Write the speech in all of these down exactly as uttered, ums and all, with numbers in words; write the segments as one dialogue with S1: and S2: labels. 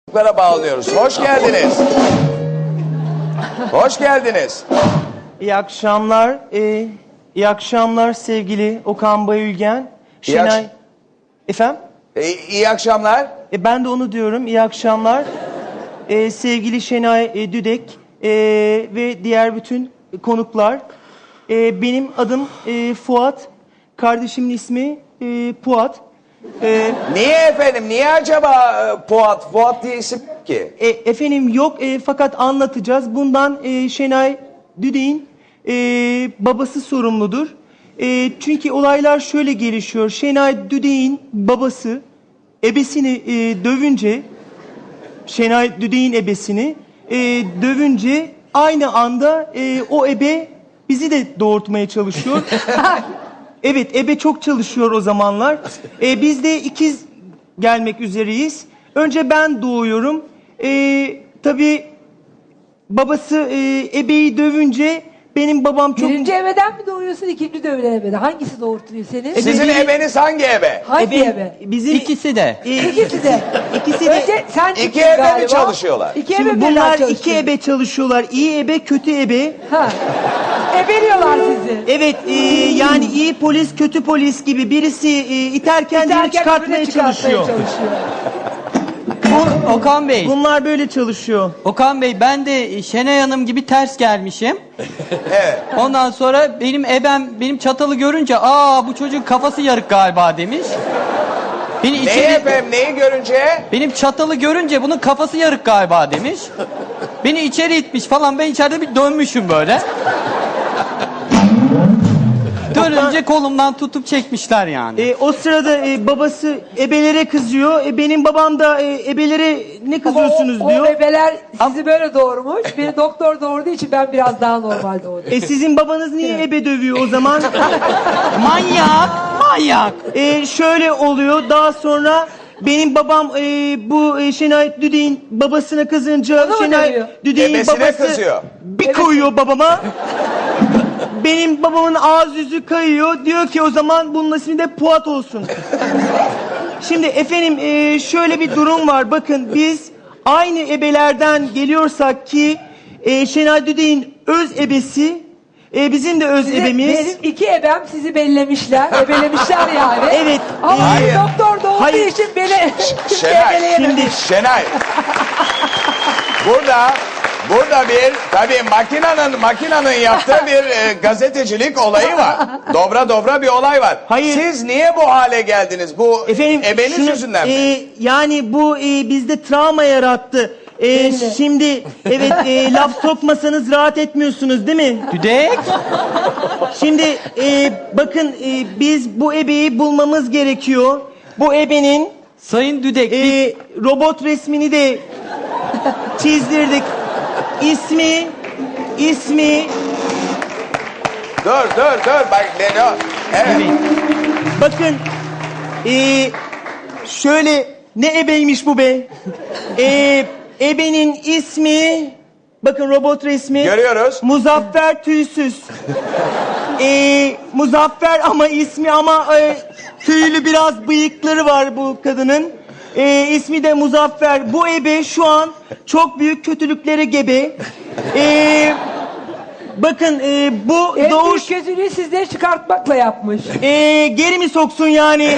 S1: Bağlıyoruz. Hoş geldiniz. Hoş geldiniz.
S2: İyi akşamlar. Ee, iyi akşamlar sevgili Okan Bayülgen.
S1: İyi
S2: Şenay.
S1: akş-
S2: Efendim?
S1: İyi, iyi akşamlar.
S2: E, ben de onu diyorum. İyi akşamlar. Ee, sevgili Şenay e, Düdek e, ve diğer bütün konuklar. E, benim adım e, Fuat. Kardeşimin ismi e, Puat. E,
S1: Niye efendim? Niye acaba e, Fuat? Fuat diye isim yok ki.
S2: E, efendim yok e, fakat anlatacağız. Bundan e, Şenay Düdek'in e, babası sorumludur. E, çünkü olaylar şöyle gelişiyor. Şenay Düdek'in babası ebesini e, dövünce, Şenay Düdek'in ebesini e, dövünce aynı anda e, o ebe bizi de doğurtmaya çalışıyor. Evet, ebe çok çalışıyor o zamanlar. E, biz de ikiz gelmek üzereyiz. Önce ben doğuyorum. Ee, tabii babası e, ebeyi dövünce benim babam çok...
S3: Birinci ebeden mi doğuyorsun, ikinci dövülen ebeden? Hangisi doğurtuyor seni?
S1: Sizin
S2: biri-
S1: ebeniz hangi ebe?
S3: Hangi
S2: Ebe-
S3: ebe?
S2: Bizim
S4: İkisi de.
S2: e,
S3: İkisi de.
S2: ikisi de.
S3: Önce sen
S1: İki
S3: çıktın
S1: ebe mi
S3: galiba.
S1: çalışıyorlar?
S3: İki
S2: Şimdi
S3: ebe birden
S2: bunlar
S3: çalışıyor.
S2: iki ebe çalışıyorlar. İyi ebe, kötü ebe.
S3: Ha. Ebeliyorlar sizi.
S2: Evet, e, yani iyi polis, kötü polis gibi birisi e, iterken diğeri
S3: İterken
S2: çıkartmaya
S3: öbürüne çıkartmaya
S2: çalışıyor.
S3: çalışıyor.
S4: Bu Okan Bey.
S2: Bunlar böyle çalışıyor.
S4: Okan Bey ben de Şenay Hanım gibi ters gelmişim.
S1: Evet.
S4: Ondan sonra benim ebem benim çatalı görünce aa bu çocuğun kafası yarık galiba demiş. Beni
S1: Neyi
S4: içeri,
S1: efendim? Neyi görünce?
S4: benim çatalı görünce bunun kafası yarık galiba demiş. Beni içeri itmiş falan, ben içeride bir dönmüşüm böyle. Dönünce kolumdan tutup çekmişler yani.
S2: E, o sırada e, babası ebelere kızıyor. E, benim babam da e, ebelere ne kızıyorsunuz
S3: o,
S2: diyor.
S3: O ebeler sizi böyle doğurmuş. Beni doktor doğurduğu için ben biraz daha normal doğdum.
S2: E sizin babanız niye ebe dövüyor o zaman?
S4: Manyak, manyak.
S2: E, şöyle oluyor. Daha sonra benim babam e, bu e, Şenay Düdek'in babasına kızınca
S3: Onu mu
S2: Şenay
S3: dövüyor?
S2: Düdek'in
S1: Ebesine
S2: babası
S1: kızıyor.
S2: bir koyuyor babama. Benim babamın ağız yüzü kayıyor. Diyor ki o zaman bunun ismi de Puat olsun. Şimdi efendim e, şöyle bir durum var. Bakın biz aynı ebelerden geliyorsak ki e, Şenay Düdek'in öz ebesi e, bizim de öz
S3: Sizi-
S2: ebemiz.
S3: Benim iki ebem sizi bellemişler. Ebelemişler yani.
S2: Evet.
S3: Ama
S2: e,
S1: Hayır.
S3: doktor doğurduğu
S2: Hayır.
S3: için beni kimse
S1: Şenay.
S3: ebeleyememiş.
S2: Şimdi
S1: Şenay. Burada burada bir tabii makinanın makinanın yaptığı bir e, gazetecilik olayı var. Dobra dobra bir olay var.
S2: Hayır.
S1: Siz niye bu hale geldiniz? Bu
S2: efendim
S1: ebeniz
S2: şunu-
S1: yüzünden mi?
S2: e, yani bu e, bizde travma yarattı. E,
S3: Belli.
S2: şimdi evet e, laf sokmasanız rahat etmiyorsunuz değil mi?
S4: Düdek.
S2: Şimdi e, bakın e, biz bu ebeyi bulmamız gerekiyor. Bu ebenin
S4: Sayın Düdek. biz-
S2: e, robot resmini de çizdirdik. İsmi, ismi,
S1: Dur dur dur bak ne ne- Evet.
S2: bakın e, şöyle ne ebeymiş bu be? E, ebenin ismi, bakın robot resmi.
S1: Görüyoruz.
S2: Muzaffer Tüysüz. Ee, Muzaffer ama ismi ama e, tüylü biraz bıyıkları var bu kadının. Ee, ismi de Muzaffer. Bu ebe şu an çok büyük kötülüklere gebe. Ee, bakın e, bu
S3: En
S2: doğuş
S3: büyük gözünü sizleri çıkartmakla yapmış.
S2: e, geri mi soksun yani?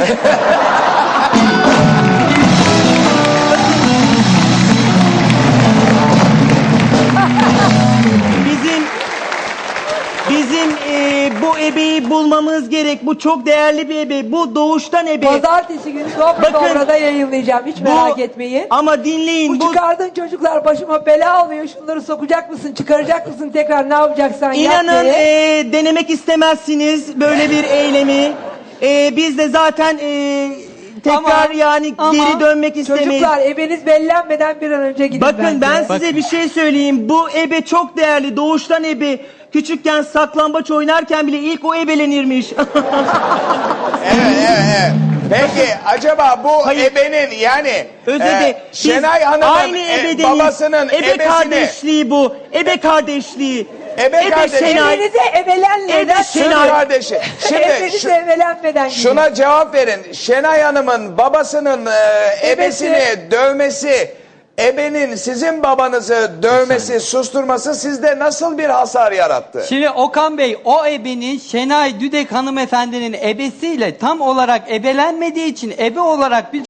S2: Bizim bizim e, bu ebeyi bulmamız gerek. Bu çok değerli bir ebe. Bu doğuştan ebe.
S3: Pazartesi günü Dobra
S2: Bakın,
S3: Dobra'da yayınlayacağım. Hiç
S2: Bu-
S3: merak etmeyin.
S2: Ama dinleyin.
S3: Bu
S2: Bu,
S3: çıkardığın çocuklar başıma bela oluyor. Şunları sokacak mısın, çıkaracak mısın tekrar ne yapacaksan yap
S2: inanın
S3: diye.
S2: e, denemek istemezsiniz böyle bir eylemi. E, biz de zaten e, tekrar
S4: Ama-
S2: yani
S4: ama
S2: geri dönmek istemeyiz.
S3: Çocuklar ebeniz bellenmeden bir an önce gidin
S2: Bakın
S3: bence.
S2: ben
S4: Bak-
S2: size bir şey söyleyeyim. Bu ebe çok değerli. Doğuştan ebe. Küçükken saklambaç oynarken bile ilk o ebelenirmiş.
S1: Evet, evet, evet. Peki acaba bu
S2: Hayır.
S1: ebenin yani
S2: Özür
S1: e,
S2: dilerim. Biz
S1: Şenay Hanım'ın
S2: aynı
S1: e,
S2: ebedeniz.
S1: babasının
S2: ebe
S1: ebesini
S2: kardeşliği bu. Ebe kardeşliği.
S1: Ebe kardeşliği.
S2: Şenay.
S3: Ebenize ebelenmeden
S2: Ebe
S1: Şenay
S2: Şenay.
S1: kardeşi. Şimdi
S3: ebenize
S1: şu-
S3: ebelenmeden gidin.
S1: şuna cevap verin. Şenay Hanım'ın babasının e,
S3: Ebesi.
S1: ebesini dövmesi ebenin sizin babanızı dövmesi, susturması sizde nasıl bir hasar yarattı?
S4: Şimdi Okan Bey, o ebenin Şenay Düdek hanımefendinin ebesiyle tam olarak ebelenmediği için ebe olarak biz